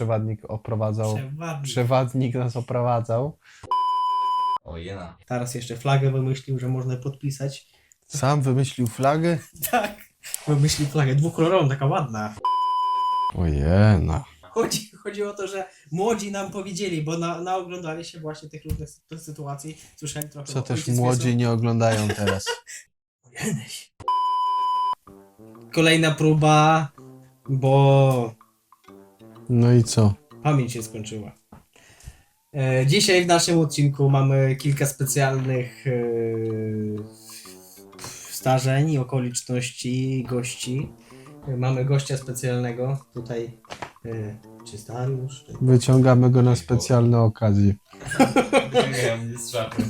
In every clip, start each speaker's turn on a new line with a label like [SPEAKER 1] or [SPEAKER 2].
[SPEAKER 1] przewadnik oprowadzał.
[SPEAKER 2] Przewadnik.
[SPEAKER 1] Przewadnik nas oprowadzał.
[SPEAKER 3] Ojena.
[SPEAKER 2] Teraz jeszcze flagę wymyślił, że można podpisać.
[SPEAKER 1] Sam wymyślił flagę?
[SPEAKER 2] Tak. Wymyślił flagę dwukolorową, taka ładna.
[SPEAKER 1] Ojena.
[SPEAKER 2] Chodzi o to, że młodzi nam powiedzieli, bo naoglądali się właśnie tych różnych sytuacji. Słyszeli trochę.
[SPEAKER 1] Co
[SPEAKER 2] bo
[SPEAKER 1] też
[SPEAKER 2] ojciec
[SPEAKER 1] młodzi
[SPEAKER 2] Jezu-
[SPEAKER 1] nie oglądają teraz.
[SPEAKER 2] Jeneś. Kolejna próba, bo
[SPEAKER 1] No i co?
[SPEAKER 2] pamięć się skończyła. Dzisiaj w naszym odcinku mamy kilka specjalnych zdarzeń, okoliczności, gości. Mamy gościa specjalnego tutaj. Czy Dariusz? Czy...
[SPEAKER 1] Wyciągamy go na specjalne okazje.
[SPEAKER 3] Wyciągają mnie z szafy.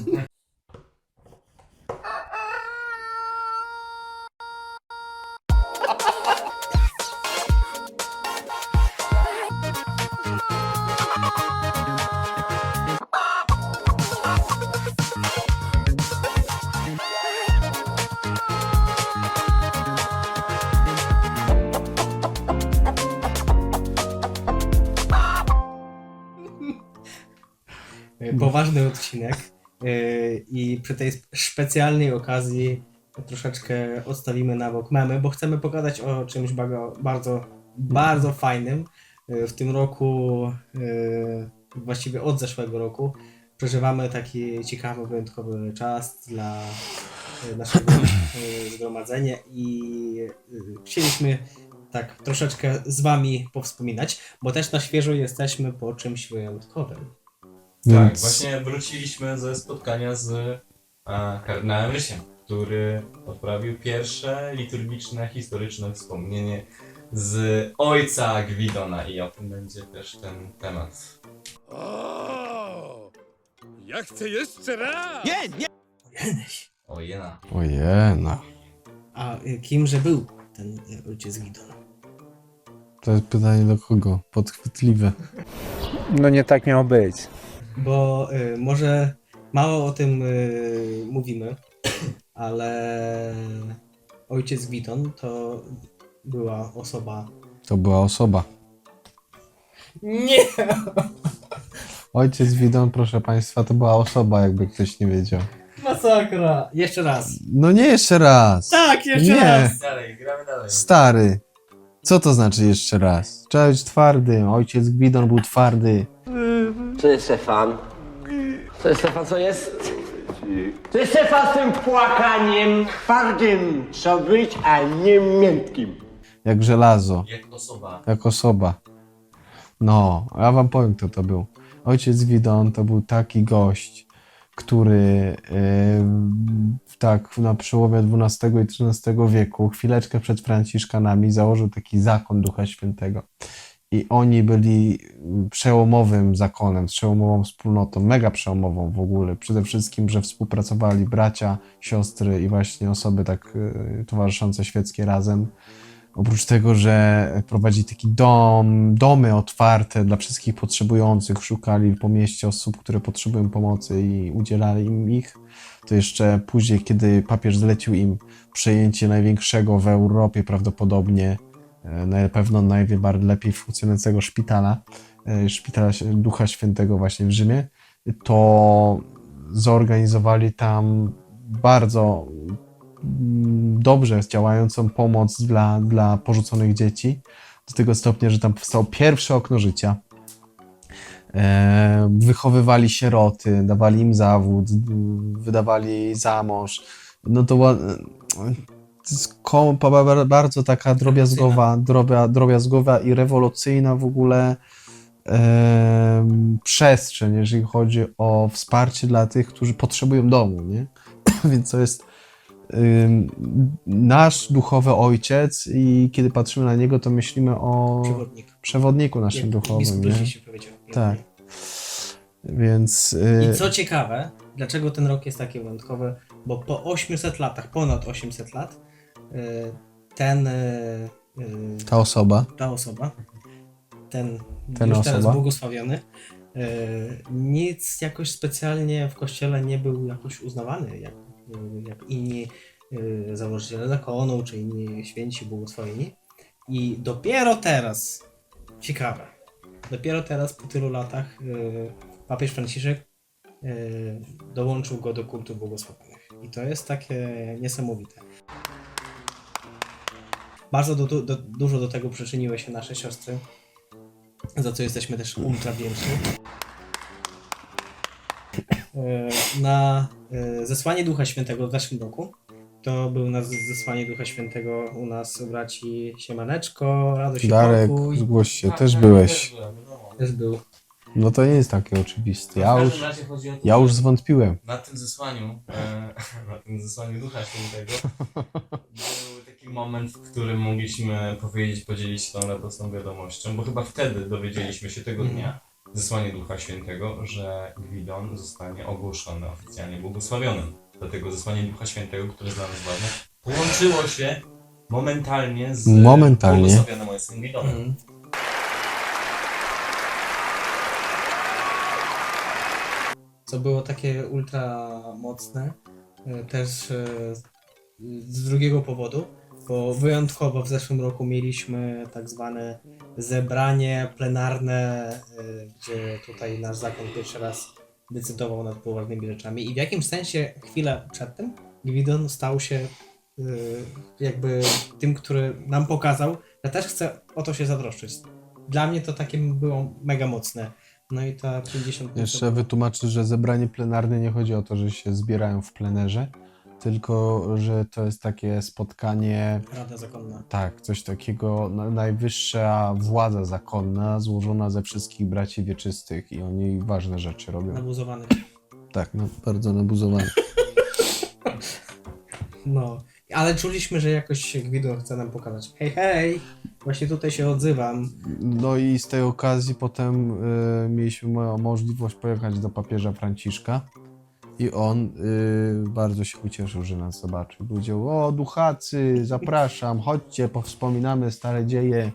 [SPEAKER 2] Poważny odcinek i przy tej specjalnej okazji troszeczkę odstawimy na bok memy, bo chcemy pogadać o czymś bardzo fajnym. W tym roku, właściwie od zeszłego roku, przeżywamy taki ciekawy, wyjątkowy czas dla naszego zgromadzenia i chcieliśmy tak troszeczkę z wami powspominać, bo też na świeżo jesteśmy po czymś wyjątkowym.
[SPEAKER 3] Tak,
[SPEAKER 1] Więc
[SPEAKER 3] właśnie wróciliśmy ze spotkania z kardynałem Rysiem, który odprawił pierwsze liturgiczne, historyczne wspomnienie z ojca Gwidona i o tym będzie też ten temat.
[SPEAKER 4] O! Ja chcę jeszcze raz!
[SPEAKER 2] Jeneś.
[SPEAKER 3] Ojena.
[SPEAKER 1] Ojena.
[SPEAKER 2] A kimże był ten ojciec Gwidon?
[SPEAKER 1] To jest pytanie do kogo? Podchwytliwe.
[SPEAKER 5] No nie tak miało być.
[SPEAKER 2] Bo może mało o tym mówimy, ale ojciec Gwidon to była osoba...
[SPEAKER 1] To była osoba.
[SPEAKER 2] Nie!
[SPEAKER 1] Ojciec Widon, proszę państwa, to była osoba, jakby ktoś nie wiedział.
[SPEAKER 2] Masakra! Jeszcze raz.
[SPEAKER 1] No nie jeszcze raz.
[SPEAKER 2] Tak, jeszcze
[SPEAKER 1] Nie.
[SPEAKER 2] raz!
[SPEAKER 3] Dalej, gramy dalej.
[SPEAKER 1] Stary. Co to znaczy jeszcze raz? Trzeba być twardym. Ojciec Gwidon był twardy.
[SPEAKER 6] Co jest Stefan? Co jest Stefan, co jest? Co jest Stefan z tym płakaniem? Twardym trzeba być, a nie miętkim.
[SPEAKER 1] Jak żelazo.
[SPEAKER 3] Jak osoba.
[SPEAKER 1] Jak osoba. No, ja wam powiem, kto to był. Ojciec Widon to był taki gość, który tak na przełomie XII i XIII wieku, chwileczkę przed Franciszkanami, założył taki zakon Ducha Świętego. I oni byli przełomowym zakonem, przełomową wspólnotą, mega przełomową w ogóle. Przede wszystkim, że współpracowali bracia, siostry i właśnie osoby tak towarzyszące świeckie razem. Oprócz tego, że prowadzili taki domy otwarte dla wszystkich potrzebujących, szukali po mieście osób, które potrzebują pomocy i udzielali im ich, to jeszcze później, kiedy papież zlecił im przejęcie największego w Europie prawdopodobnie, na pewno najlepiej funkcjonującego szpitala Ducha Świętego właśnie w Rzymie, to zorganizowali tam bardzo dobrze działającą pomoc dla porzuconych dzieci, do tego stopnia, że tam powstało pierwsze okno życia. Wychowywali sieroty, dawali im zawód, wydawali za mąż. No to jest bardzo taka drobiazgowa i rewolucyjna w ogóle przestrzeń, jeżeli chodzi o wsparcie dla tych, którzy potrzebują domu, nie? Więc to jest nasz duchowy ojciec i kiedy patrzymy na niego, to myślimy o przewodniku naszym duchowym, nie?
[SPEAKER 2] Się powiedział.
[SPEAKER 1] Tak. Więc
[SPEAKER 2] I co ciekawe, dlaczego ten rok jest taki wyjątkowy? Bo po 800 latach, ponad 800 lat,
[SPEAKER 1] ta osoba,
[SPEAKER 2] ten
[SPEAKER 1] Ten
[SPEAKER 2] już teraz
[SPEAKER 1] osoba.
[SPEAKER 2] błogosławiony, nic jakoś specjalnie w kościele nie był jakoś uznawany, jak inni założyciele zakonu, czy inni święci błogosławieni. I dopiero teraz, ciekawe, Dopiero teraz, po tylu latach, papież Franciszek dołączył go do kultu błogosławionych. I to jest takie niesamowite. Bardzo dużo do tego przyczyniły się nasze siostry, za co jesteśmy też ultra wdzięczni. Na zesłanie Ducha Świętego w zeszłym roku, to był na zesłanie Ducha Świętego u nas u braci Siemaneczko, Radość i
[SPEAKER 1] Darek,
[SPEAKER 2] Pokój.
[SPEAKER 1] zgłoś się,
[SPEAKER 3] Tak,
[SPEAKER 1] też
[SPEAKER 3] tak,
[SPEAKER 1] byłeś.
[SPEAKER 3] też byłem, wiadomo.
[SPEAKER 2] Też był.
[SPEAKER 1] No to nie jest takie oczywiste.
[SPEAKER 3] W każdym razie chodzi o to,
[SPEAKER 1] Ja już
[SPEAKER 3] że
[SPEAKER 1] zwątpiłem.
[SPEAKER 3] na tym zesłaniu, na tym zesłaniu Ducha Świętego był taki moment, w którym mogliśmy podzielić się tą radosną wiadomością, bo chyba wtedy dowiedzieliśmy się tego dnia, zesłanie Ducha Świętego, że Gwidon zostanie ogłoszony oficjalnie błogosławionym. Dlatego zesłanie Ducha Świętego, które jest dla nas ważne, połączyło się momentalnie z błogosławionym ojcem Gwidonem.
[SPEAKER 2] Co było takie ultra mocne, też z drugiego powodu, bo wyjątkowo w zeszłym roku mieliśmy tak zwane zebranie plenarne, gdzie tutaj nasz zakon pierwszy raz decydował nad poważnymi rzeczami i w jakimś sensie chwilę przed tym Gwidon stał się jakby tym, który nam pokazał, że też chce o to się zatroszczyć. Dla mnie to takie było mega mocne. No i ta 50...
[SPEAKER 1] Jeszcze wytłumaczę, że zebranie plenarne nie chodzi o to, że się zbierają w plenerze, tylko że to jest takie spotkanie,
[SPEAKER 2] Rada zakonna.
[SPEAKER 1] tak, coś takiego, najwyższa władza zakonna złożona ze wszystkich braci wieczystych i oni ważne rzeczy robią.
[SPEAKER 2] Nabuzowany.
[SPEAKER 1] Tak, no, bardzo nabuzowani.
[SPEAKER 2] No, ale czuliśmy, że jakoś Gwidon chce nam pokazać. Hej, hej, właśnie tutaj się odzywam.
[SPEAKER 1] No i z tej okazji potem mieliśmy możliwość pojechać do papieża Franciszka i on bardzo się ucieszył, że nas zobaczył. Powiedział: o duchacy, zapraszam, chodźcie, powspominamy stare dzieje.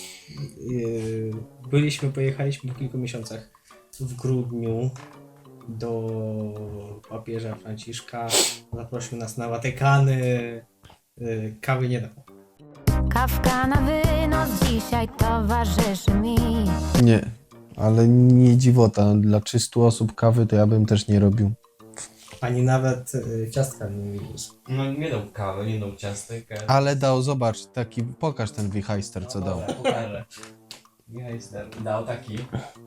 [SPEAKER 2] Pojechaliśmy po kilku miesiącach w grudniu do papieża Franciszka. Zaprosił nas na Watykany. Kawy nie dał.
[SPEAKER 7] Kawka na wynos dzisiaj towarzyszy mi.
[SPEAKER 1] Nie, ale nie dziwota, dla 300 osób kawy to ja bym też nie robił.
[SPEAKER 2] Ani nawet ciastka nie widzisz.
[SPEAKER 3] No nie dał kawy, nie dał ciastek.
[SPEAKER 1] Ale dał, zobacz, taki, pokaż ten wichajster, co dał.
[SPEAKER 3] Pokażę. Wichajster dał taki.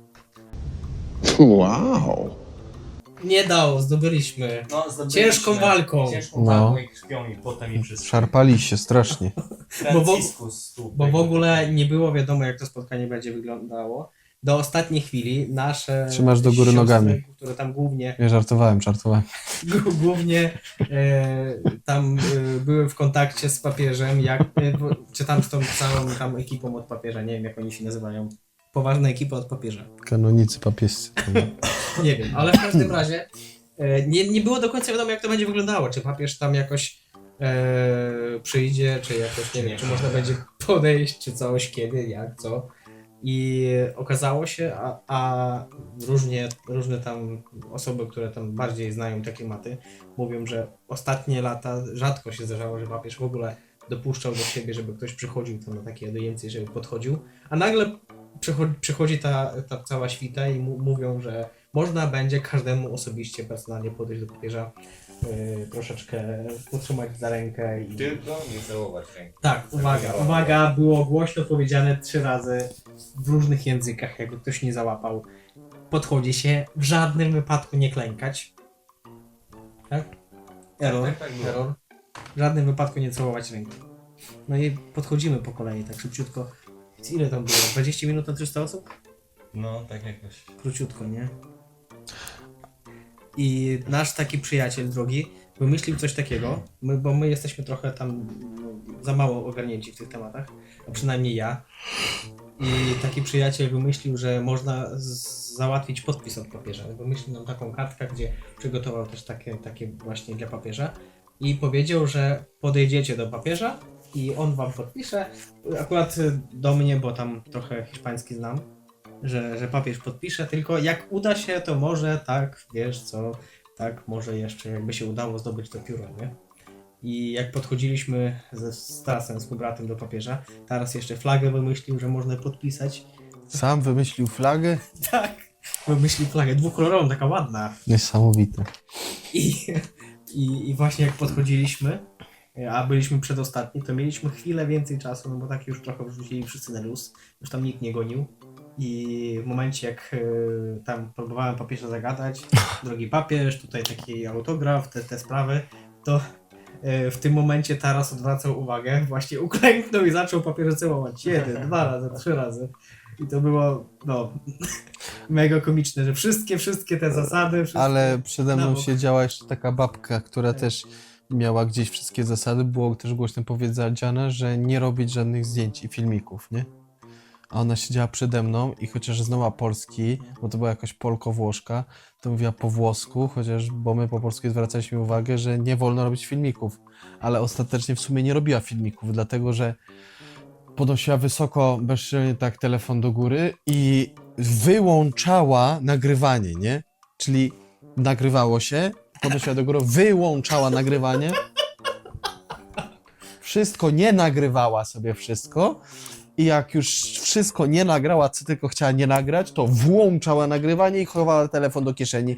[SPEAKER 6] Wow.
[SPEAKER 2] Nie dał, zdobyliśmy.
[SPEAKER 3] No, zdobyliśmy
[SPEAKER 2] Ciężką walką.
[SPEAKER 3] Ciężką
[SPEAKER 1] No.
[SPEAKER 3] walką i krwią i potem i wszystko.
[SPEAKER 1] Szarpali się strasznie.
[SPEAKER 3] Franciscus tu.
[SPEAKER 2] Bo w ogóle nie było wiadomo, jak to spotkanie będzie wyglądało. Do ostatniej chwili nasze
[SPEAKER 1] Trzymasz do góry
[SPEAKER 2] siostry,
[SPEAKER 1] nogami.
[SPEAKER 2] które tam głównie
[SPEAKER 1] Nie, żartowałem.
[SPEAKER 2] głównie tam były w kontakcie z papieżem, czy tam z tą całą tam ekipą od papieża, nie wiem jak oni się nazywają. Poważna ekipa od papieża.
[SPEAKER 1] Kanonicy papiescy.
[SPEAKER 2] Nie wiem, ale w każdym razie nie było do końca wiadomo, jak to będzie wyglądało. Czy papież tam jakoś przyjdzie, czy jakoś, nie wiem, czy można będzie podejść, czy coś, kiedy, jak, co. I okazało się, a różne tam osoby, które tam bardziej znają te klimaty, mówią, że ostatnie lata rzadko się zdarzało, że papież w ogóle dopuszczał do siebie, żeby ktoś przychodził tam na takie audiencje, żeby podchodził, a nagle przychodzi ta cała świta i mówią, że można będzie każdemu osobiście, personalnie podejść do papieża, troszeczkę utrzymać za rękę i...
[SPEAKER 3] Tylko nie całować ręki.
[SPEAKER 2] Tak, uwaga, było głośno powiedziane 3 razy w różnych językach, jakby ktoś nie załapał. Podchodzi się, w żadnym wypadku nie klękać. Tak? Error,
[SPEAKER 3] tak było.
[SPEAKER 2] error. W żadnym wypadku nie całować ręki. No i podchodzimy po kolei, tak szybciutko. Ile tam było? 20 minut na 300 osób?
[SPEAKER 3] No, tak jakoś.
[SPEAKER 2] Króciutko, nie? I nasz taki przyjaciel drogi wymyślił coś takiego, bo my jesteśmy trochę tam za mało ogarnięci w tych tematach, a przynajmniej ja. I taki przyjaciel wymyślił, że można załatwić podpis od papieża. Wymyślił nam taką kartkę, gdzie przygotował też takie właśnie dla papieża i powiedział, że podejdziecie do papieża i on wam podpisze. Akurat do mnie, bo tam trochę hiszpański znam, że papież podpisze, tylko jak uda się, to może tak, wiesz co, tak może jeszcze jakby się udało zdobyć to pióro, nie? I jak podchodziliśmy z Stasem, z bratem do papieża, teraz jeszcze flagę wymyślił, że można podpisać
[SPEAKER 1] Sam wymyślił flagę?
[SPEAKER 2] Tak. Wymyślił flagę dwukolorową, taka ładna.
[SPEAKER 1] Niesamowite.
[SPEAKER 2] I właśnie jak podchodziliśmy, a byliśmy przedostatni, to mieliśmy chwilę więcej czasu, no bo tak już trochę wrzucili wszyscy na luz, już tam nikt nie gonił. I w momencie jak tam próbowałem papieża zagadać, drogi papież, tutaj taki autograf, te sprawy, to w tym momencie Taras odwracał uwagę, właśnie uklęknął i zaczął papieża całować 1, 2 razy, 3 razy. I to było, no, mega komiczne, że wszystkie te zasady... Wszystkie...
[SPEAKER 1] Ale przede
[SPEAKER 2] na
[SPEAKER 1] mną
[SPEAKER 2] bok.
[SPEAKER 1] siedziała jeszcze taka babka, która też miała gdzieś wszystkie zasady. Było też głośno powiedziane, że nie robić żadnych zdjęć i filmików, nie? A ona siedziała przede mną i chociaż znała polski, bo to była jakaś Polko-Włoszka, to mówiła po włosku, bo my po polsku zwracaliśmy uwagę, że nie wolno robić filmików. Ale ostatecznie w sumie nie robiła filmików, dlatego że podnosiła wysoko, bezczelnie tak telefon do góry i wyłączała nagrywanie, nie? Czyli nagrywało się, podnosiła do góry, wyłączała nagrywanie. Wszystko nie nagrywała sobie wszystko. I jak już wszystko nie nagrała, co tylko chciała nie nagrać, to włączała nagrywanie i chowała telefon do kieszeni.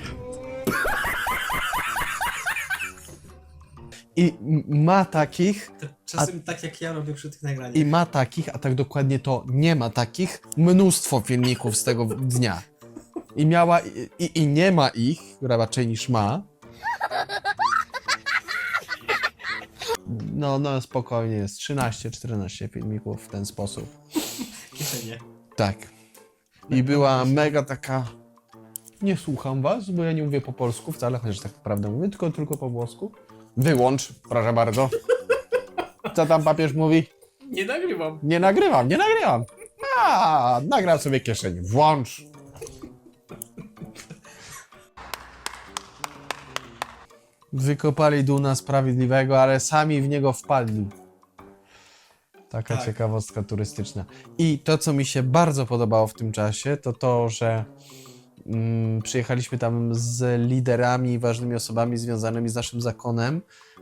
[SPEAKER 1] I ma takich,
[SPEAKER 2] Czasem tak jak ja robię przy tych nagraniach.
[SPEAKER 1] i ma takich, a tak dokładnie to nie ma takich, mnóstwo filmików z tego dnia. I miała, i nie ma ich, raczej niż ma. No spokojnie jest 13-14 filmików w ten sposób.
[SPEAKER 2] Kieszenie.
[SPEAKER 1] Tak. I była mega taka... Nie słucham was, bo ja nie mówię po polsku wcale, chociaż tak naprawdę mówię, tylko po włosku. Wyłącz, proszę bardzo. Co tam papież mówi?
[SPEAKER 2] Nie nagrywam.
[SPEAKER 1] Nie nagrywam. Nagram sobie kieszeń. Włącz. Wykopali Duna Sprawiedliwego, ale sami w niego wpadli. Taka
[SPEAKER 2] Tak.
[SPEAKER 1] ciekawostka turystyczna. I to, co mi się bardzo podobało w tym czasie, to to, że przyjechaliśmy tam z liderami i ważnymi osobami związanymi z naszym zakonem.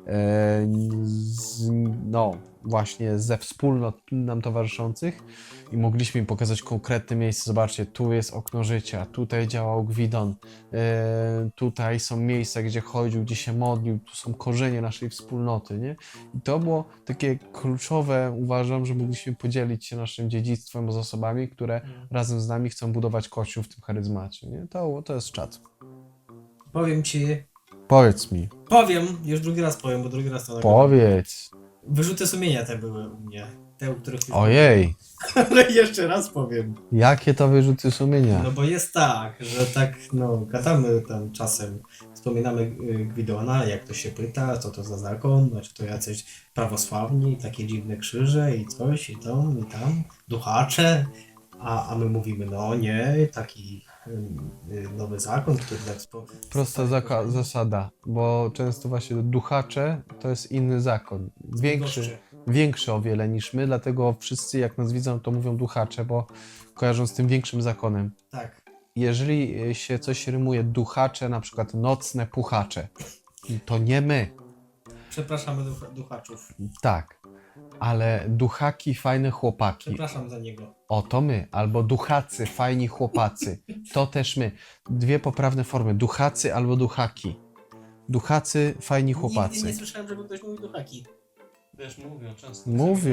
[SPEAKER 1] No, właśnie ze wspólnot nam towarzyszących i mogliśmy im pokazać konkretne miejsce. Zobaczcie, tu jest okno życia, tutaj działał Gwidon, tutaj są miejsca, gdzie chodził, gdzie się modlił, tu są korzenie naszej wspólnoty, nie? I to było takie kluczowe, uważam, że mogliśmy podzielić się naszym dziedzictwem z osobami, które razem z nami chcą budować Kościół w tym charyzmacie, nie? To jest czad.
[SPEAKER 2] Powiem ci,
[SPEAKER 1] Powiedz mi.
[SPEAKER 2] już drugi raz powiem, bo drugi raz to
[SPEAKER 1] Powiedz.
[SPEAKER 2] Wyrzuty sumienia te były u mnie. Te, o których już
[SPEAKER 1] Ojej,
[SPEAKER 2] Ale jeszcze raz powiem.
[SPEAKER 1] jakie to wyrzuty sumienia.
[SPEAKER 2] No bo jest tak, że tak, no, gadamy tam czasem, wspominamy Gwidona, jak to się pyta, co to za zakon, no, czy to jacyś prawosławni, takie dziwne krzyże i coś, i tam, duchacze, a my mówimy, no nie, taki nowy zakon, który tak...
[SPEAKER 1] Prosta zasada, bo często właśnie duchacze to jest inny zakon. Większy o wiele niż my, dlatego wszyscy jak nas widzą, to mówią duchacze, bo kojarzą z tym większym zakonem.
[SPEAKER 2] Tak.
[SPEAKER 1] Jeżeli się coś rymuje duchacze, na przykład nocne puchacze, to nie my.
[SPEAKER 2] Przepraszamy duchaczów.
[SPEAKER 1] Tak, ale duchaki, fajne chłopaki.
[SPEAKER 2] Przepraszam za niego.
[SPEAKER 1] O, to my. Albo duchacy, fajni chłopacy. To też my. Dwie poprawne formy. Duchacy albo duchaki. Duchacy, fajni
[SPEAKER 2] Nigdy
[SPEAKER 1] chłopacy.
[SPEAKER 2] nie słyszałem, żeby ktoś mówił duchaki.
[SPEAKER 3] Wiesz, mówią często.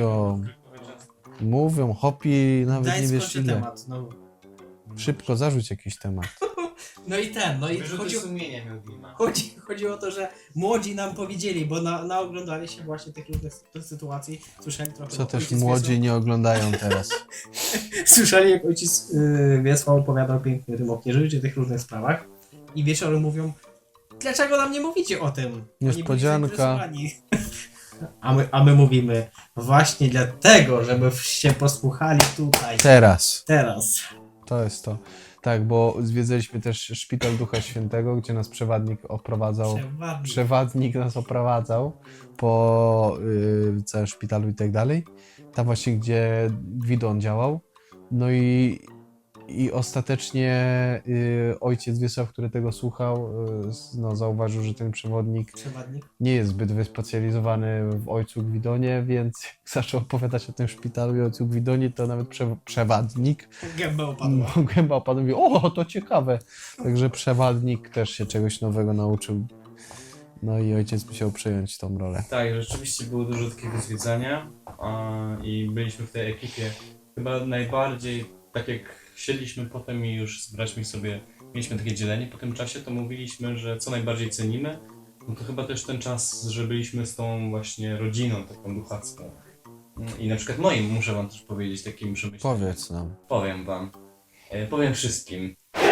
[SPEAKER 1] Mówią, hopi, nawet
[SPEAKER 2] Daj
[SPEAKER 1] nie wiesz
[SPEAKER 2] skończę
[SPEAKER 1] ile.
[SPEAKER 2] temat. No.
[SPEAKER 1] Szybko zarzuć jakiś temat.
[SPEAKER 2] No i
[SPEAKER 3] Wyrzuty sumienia miał Dima.
[SPEAKER 2] chodzi o to, że młodzi nam powiedzieli, bo naoglądali się właśnie tych różnych sytuacji. Słyszeli trochę.
[SPEAKER 1] Co
[SPEAKER 2] jak
[SPEAKER 1] też
[SPEAKER 2] ojciec
[SPEAKER 1] młodzi nie oglądają teraz.
[SPEAKER 2] Słyszeli, jak ojciec Wiesław opowiadał piękny rym o Knieżycie, tych różnych sprawach. I wieczorem mówią, dlaczego nam nie mówicie o tym? Oni byli
[SPEAKER 1] Niespodzianka.
[SPEAKER 2] zainteresowani. A my mówimy, właśnie dlatego, żebyście posłuchali tutaj.
[SPEAKER 1] Teraz.
[SPEAKER 2] Teraz.
[SPEAKER 1] To jest to. Tak, bo zwiedzaliśmy też Szpital Ducha Świętego, gdzie nas przewodnik oprowadzał. Przewodnik nas oprowadzał po całym szpitalu i tak dalej. Tam właśnie, gdzie Gwidon działał. No i I ostatecznie ojciec Wiesław, który tego słuchał, no, zauważył, że ten przewodnik
[SPEAKER 2] Przewodnik.
[SPEAKER 1] nie jest zbyt wyspecjalizowany w ojcu Gwidonie, więc jak zaczął opowiadać o tym szpitalu i ojcu Gwidonie, to nawet przewodnik
[SPEAKER 2] Gęba opadła.
[SPEAKER 1] gęba opadł i mówi, o, to ciekawe. Także przewodnik też się czegoś nowego nauczył. No i ojciec musiał przejąć tą rolę.
[SPEAKER 3] Tak, rzeczywiście było dużo takiego zwiedzania i byliśmy w tej ekipie chyba najbardziej, tak jak siedliśmy potem i już z braćmi sobie mieliśmy takie dzielenie po tym czasie, to mówiliśmy, że co najbardziej cenimy, no to chyba też ten czas, że byliśmy z tą właśnie rodziną taką duchacką. I na przykład moim, muszę wam też powiedzieć, takim przemyśleniem.
[SPEAKER 1] Powiedz nam.
[SPEAKER 3] Powiem wam. Powiem wszystkim.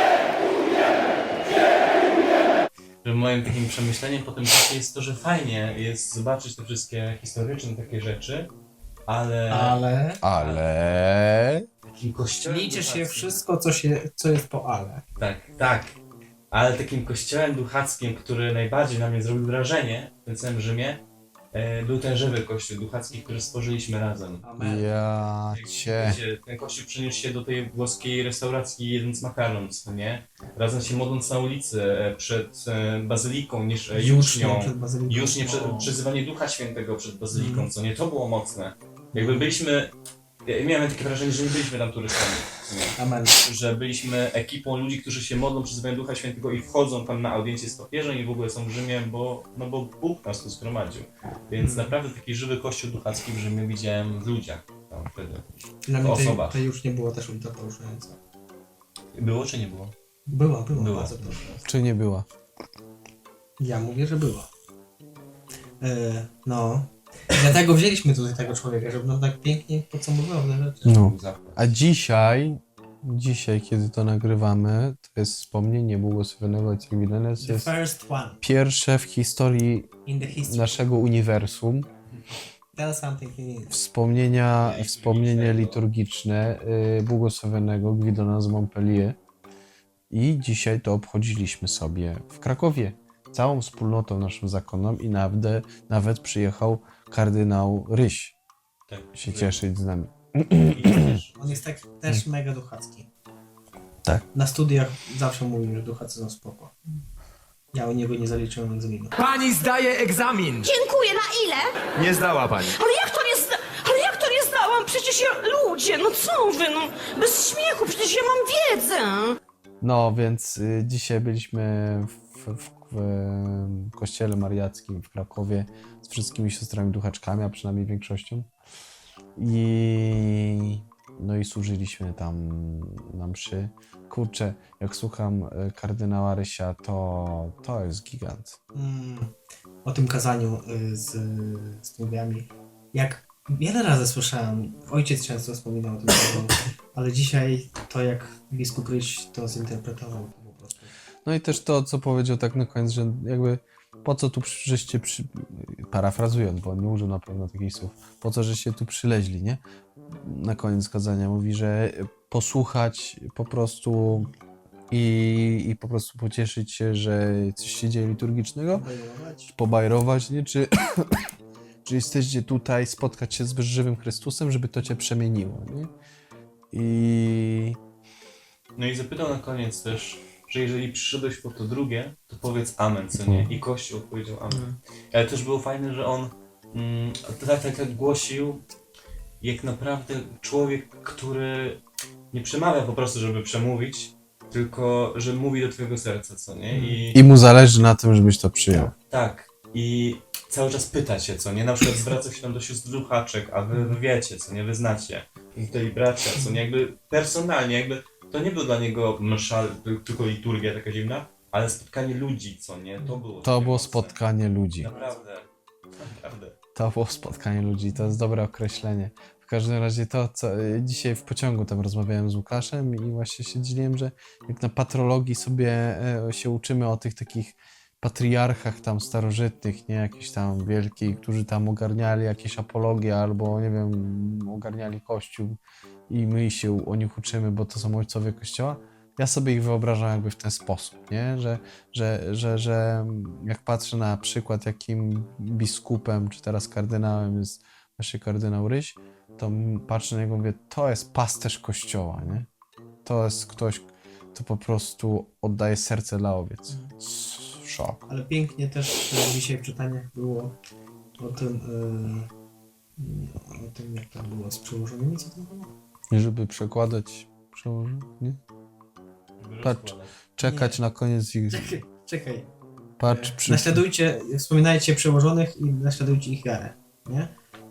[SPEAKER 3] Że moim takim przemyśleniem po tym czasie jest to, że fajnie jest zobaczyć te wszystkie historyczne takie rzeczy,
[SPEAKER 1] Ale...
[SPEAKER 3] takim kościołem
[SPEAKER 2] Liczy się
[SPEAKER 3] duchackim.
[SPEAKER 2] wszystko, co jest po ale.
[SPEAKER 3] Tak. Ale takim kościołem duchackim, który najbardziej na mnie zrobił wrażenie w tym całym Rzymie, był ten żywy kościół duchacki, który stworzyliśmy razem.
[SPEAKER 2] Amen.
[SPEAKER 1] Ja cię...
[SPEAKER 3] Wiecie, ten kościół przeniósł się do tej włoskiej restauracji jedząc makaron, co nie? Razem się modląc na ulicy przed bazyliką, jucznią.
[SPEAKER 2] Przed bazyliką.
[SPEAKER 3] Już nie
[SPEAKER 2] O.
[SPEAKER 3] przezywanie Ducha Świętego przed bazyliką, co nie? To było mocne. Jakby byliśmy... Ja miałem takie wrażenie, że nie byliśmy tam turystami. co nie?
[SPEAKER 2] Amen.
[SPEAKER 3] Że byliśmy ekipą ludzi, którzy się modlą, przezywają Ducha Świętego i wchodzą tam na audiencję z papieżem i w ogóle są w Rzymie, bo Bóg nas tu zgromadził. Więc naprawdę taki żywy kościół duchacki w Rzymie widziałem w ludziach tam wtedy.
[SPEAKER 2] Dla
[SPEAKER 3] W
[SPEAKER 2] mnie
[SPEAKER 3] osobach.
[SPEAKER 2] to już nie było też ultra poruszające.
[SPEAKER 3] Było czy nie było?
[SPEAKER 2] Była
[SPEAKER 3] Była.
[SPEAKER 2] bardzo poruszająca.
[SPEAKER 1] Czy nie była?
[SPEAKER 2] Ja mówię, że była. No. Dlatego wzięliśmy tutaj tego człowieka, żeby nam tak pięknie podsumowywał te rzeczy.
[SPEAKER 1] No.
[SPEAKER 3] Był zachwyt.
[SPEAKER 1] A dzisiaj, kiedy to nagrywamy, to jest wspomnienie błogosławionego ojca Gwidona. To
[SPEAKER 2] The
[SPEAKER 1] jest
[SPEAKER 2] first one
[SPEAKER 1] pierwsze w historii
[SPEAKER 2] in the history.
[SPEAKER 1] naszego uniwersum
[SPEAKER 2] Tell something in it.
[SPEAKER 1] wspomnienie liturgiczne błogosławionego Gwidona z Montpellier. I dzisiaj to obchodziliśmy sobie w Krakowie. Całą wspólnotą naszą zakonną i nawet przyjechał kardynał Ryś
[SPEAKER 3] Tak.
[SPEAKER 1] się cieszyć z nami.
[SPEAKER 3] I też
[SPEAKER 2] On jest tak też mega duchacki.
[SPEAKER 1] Tak.
[SPEAKER 2] Na studiach zawsze mówił, że duchacy są spoko. Ja u niego nie zaliczyłem egzaminu.
[SPEAKER 8] Pani zdaje egzamin!
[SPEAKER 9] Dziękuję, na ile?
[SPEAKER 8] Nie zdała pani.
[SPEAKER 9] Ale jak to nie zdałam? Przecież ja... Ludzie, no co wy, no? Bez śmiechu, przecież ja mam wiedzę.
[SPEAKER 1] No, więc dzisiaj byliśmy w kościele mariackim w Krakowie z wszystkimi siostrami duchaczkami, a przynajmniej większością. No i służyliśmy tam na mszy. Kurczę, jak słucham kardynała Rysia, to jest gigant.
[SPEAKER 2] O tym kazaniu z długiami. Jak wiele razy słyszałem, ojciec często wspominał o tym kazaniu, ale dzisiaj to jak biskup Ryś to zinterpretował to po prostu.
[SPEAKER 1] No i też to, co powiedział tak na koniec, że jakby po co tu żeście parafrazując, bo on nie użył na pewno takich słów, po co żeście tu przyleźli, nie? Na koniec kazania mówi, że posłuchać po prostu i po prostu pocieszyć się, że coś się dzieje liturgicznego, pobajrować, nie? Czy jesteście tutaj spotkać się z żywym Chrystusem, żeby to cię przemieniło, nie?
[SPEAKER 3] No i zapytał na koniec też, że jeżeli przyszedłeś po to drugie, to powiedz amen, co nie? I Kościół odpowiedział amen. Ale też było fajne, że on tak głosił, jak naprawdę człowiek, który nie przemawia po prostu, żeby przemówić, tylko że mówi do twojego serca, co nie?
[SPEAKER 1] I mu zależy na tym, żebyś to przyjął.
[SPEAKER 3] Tak. I cały czas pyta cię, co nie? Na przykład zwraca się tam do sióstr duchaczek, a wy wiecie, co nie? Wy znacie. I tutaj bracia, co nie? Jakby personalnie, jakby to nie był dla niego msza, tylko liturgia taka dziwna, ale spotkanie ludzi, co nie? To było.
[SPEAKER 1] To było
[SPEAKER 3] mocne.
[SPEAKER 1] spotkanie ludzi.
[SPEAKER 3] Naprawdę.
[SPEAKER 1] To było spotkanie ludzi, to jest dobre określenie. W każdym razie to, co dzisiaj w pociągu tam rozmawiałem z Łukaszem i właśnie się dzieliłem, że jak na patrologii sobie się uczymy o tych takich patriarchach tam starożytnych, nie jakichś tam wielkich, którzy tam ogarniali jakieś apologie albo nie wiem, ogarniali kościół i my się o nich uczymy, bo to są ojcowie kościoła. Ja sobie ich wyobrażam jakby w ten sposób, nie? Że jak patrzę na przykład, jakim biskupem, czy teraz kardynałem jest właśnie kardynał Ryś, to patrzę na niego i mówię, to jest pasterz kościoła, nie? To jest ktoś, kto po prostu oddaje serce dla owiec. Szok.
[SPEAKER 2] Ale pięknie też dzisiaj w czytaniach było o tym jak tam było z przełożonymi, co tam było?
[SPEAKER 1] I żeby przekładać, przełożyć, nie? Patrz, czekać na koniec ich...
[SPEAKER 2] Czekaj.
[SPEAKER 1] Patrz,
[SPEAKER 2] Naśladujcie, wspominajcie przełożonych i naśladujcie ich wiarę, nie?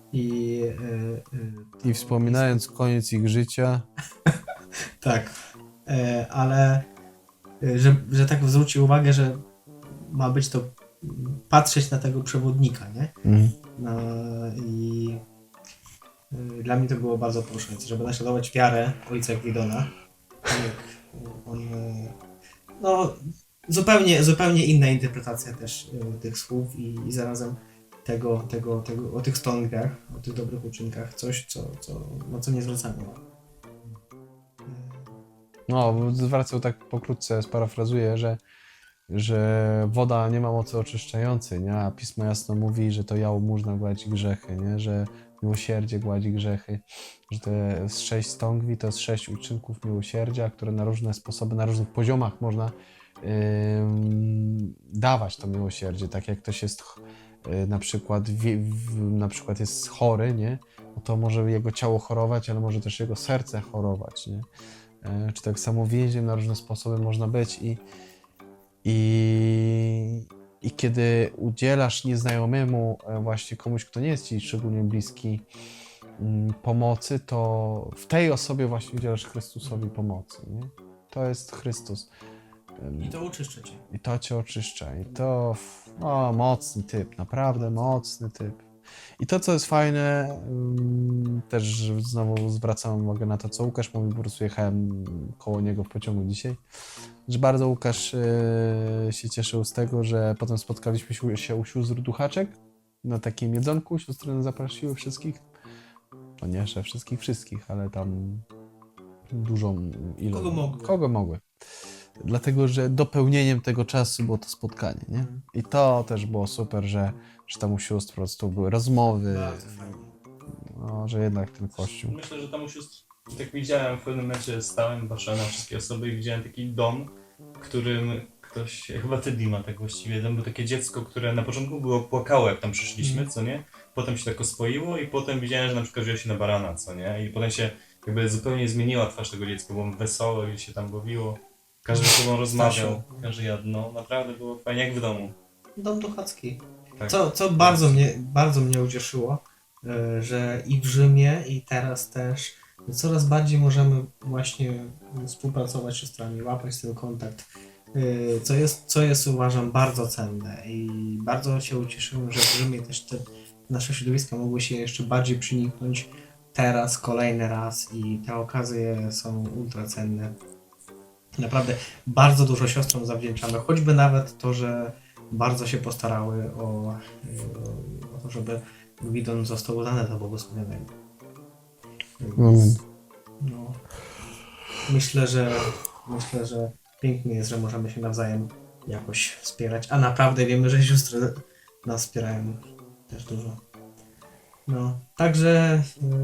[SPEAKER 1] I wspominając koniec ich życia,
[SPEAKER 2] Tak, ale że tak zwróci uwagę, że ma być to patrzeć na tego przewodnika, nie? No, i dla mnie to było bardzo poruszające, żeby naśladować wiarę ojca Gwidona. Jak on, no, zupełnie inna interpretacja też tych słów i zarazem tego o tych stągach, o tych dobrych uczynkach, coś, na co nie zwracamy uwagi.
[SPEAKER 1] no, zwracał tak pokrótce, sparafrazuję, że woda nie ma mocy oczyszczającej, nie? A Pismo jasno mówi, że to jałmużna gładzi grzechy, nie? Że miłosierdzie gładzi grzechy, że te 6 stągwi to jest 6 uczynków miłosierdzia, które na różne sposoby, na różnych poziomach można dawać to miłosierdzie. Tak jak ktoś jest na przykład jest chory, nie? No to może jego ciało chorować, ale może też jego serce chorować, nie? Czy tak samo więźniem na różne sposoby można być i kiedy udzielasz nieznajomemu, właśnie komuś, kto nie jest ci szczególnie bliski, pomocy, to w tej osobie właśnie udzielasz Chrystusowi pomocy, nie? To jest Chrystus.
[SPEAKER 2] I to oczyszcza cię.
[SPEAKER 1] I to cię oczyszcza. I to mocny typ, naprawdę mocny typ. I to, co jest fajne, też znowu zwracam uwagę na to, co Łukasz mówił, po prostu jechałem koło niego w pociągu dzisiaj, że bardzo Łukasz się cieszył z tego, że potem spotkaliśmy się u sióstr Duchaczek na takim jedzonku, siostry nas zaprosiły wszystkich, no nie, że wszystkich, ale tam dużą ilość. Kogo mogły. Dlatego, że dopełnieniem tego czasu było to spotkanie, nie? I to też było super, że tam u sióstr po prostu były rozmowy,
[SPEAKER 2] Bardzo fajnie.
[SPEAKER 1] no, że jednak ten kościół.
[SPEAKER 3] Myślę, że tam u sióstr, tak widziałem, w pewnym momencie stałem, patrzyłem na wszystkie osoby i widziałem taki dom, w którym ktoś, chyba ty Dima tak właściwie, tam było takie dziecko, które na początku było płakało, jak tam przyszliśmy, co nie? Potem się tak oswoiło i potem widziałem, że na przykład wzięło się na barana, co nie? I potem się jakby zupełnie zmieniła twarz tego dziecka, było wesołe i się tam bawiło. Każdy z sobą rozmawiał, każdy jadł, no naprawdę było fajnie, jak w domu.
[SPEAKER 2] Dom duchacki.
[SPEAKER 3] Tak.
[SPEAKER 2] Co bardzo mnie ucieszyło, że i w Rzymie, i teraz też coraz bardziej możemy właśnie współpracować z siostrami, łapać ten kontakt, co jest uważam bardzo cenne i bardzo się ucieszyłem, że w Rzymie też te nasze środowiska mogły się jeszcze bardziej przyniknąć teraz, kolejny raz i te okazje są ultra cenne. Naprawdę bardzo dużo siostrom zawdzięczamy, choćby nawet to, że bardzo się postarały o to, żeby Gwidon został udany do błogosławionego.
[SPEAKER 1] Amen.
[SPEAKER 2] No, myślę, że pięknie jest, że możemy się nawzajem jakoś wspierać, a naprawdę wiemy, że siostry nas wspierają też dużo. No, także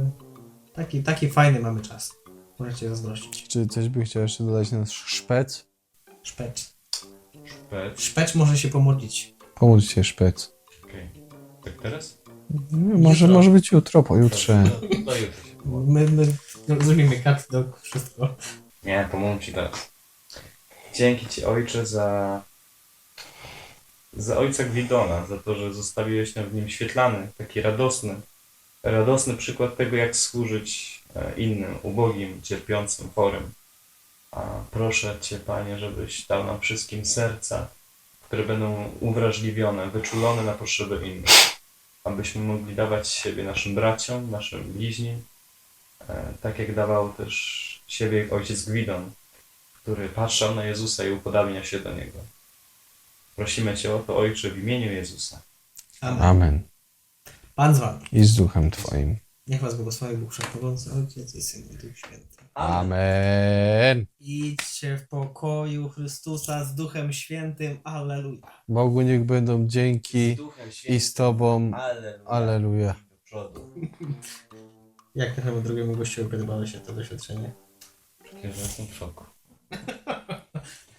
[SPEAKER 2] taki fajny mamy czas. Możecie zazdrościć.
[SPEAKER 1] Czy coś by chciał jeszcze dodać na szpec?
[SPEAKER 2] Szpecz.
[SPEAKER 3] Szpec.
[SPEAKER 2] Szpecz może się pomodlić.
[SPEAKER 1] Pomóż się szpec.
[SPEAKER 3] Okej. Tak teraz?
[SPEAKER 1] Może być jutro, pojutrze.
[SPEAKER 3] Do jutra się.
[SPEAKER 2] My zrobimy kat do wszystko.
[SPEAKER 3] Nie, pomógł ci teraz. Dzięki ci, ojcze, za ojca Gwidona, za to, że zostawiłeś nam w nim świetlany, taki radosny przykład tego, jak służyć innym, ubogim, cierpiącym, chorym. A proszę Cię, Panie, żebyś dał nam wszystkim serca, które będą uwrażliwione, wyczulone na potrzeby innych. Abyśmy mogli dawać siebie naszym braciom, naszym bliźnim, tak jak dawał też siebie ojciec Gwidon, który patrzał na Jezusa i upodabnia się do Niego. Prosimy Cię o to, Ojcze, w imieniu Jezusa.
[SPEAKER 2] Amen.
[SPEAKER 1] Amen.
[SPEAKER 2] Pan z wami.
[SPEAKER 1] I z duchem Twoim.
[SPEAKER 2] Niech was błogosławi Bóg Wszechmogący, Ojciec i Syn i Duch Święty.
[SPEAKER 1] Amen.
[SPEAKER 2] Idźcie w pokoju Chrystusa z Duchem Świętym. Alleluja.
[SPEAKER 1] Bogu niech będą dzięki
[SPEAKER 3] Duchem
[SPEAKER 1] i z Tobą.
[SPEAKER 3] Alleluja.
[SPEAKER 1] Alleluja.
[SPEAKER 3] Do przodu.
[SPEAKER 2] Jak naszemu drugiemu gościowi podobało się to doświadczenie?
[SPEAKER 3] takie, że jestem w szoku.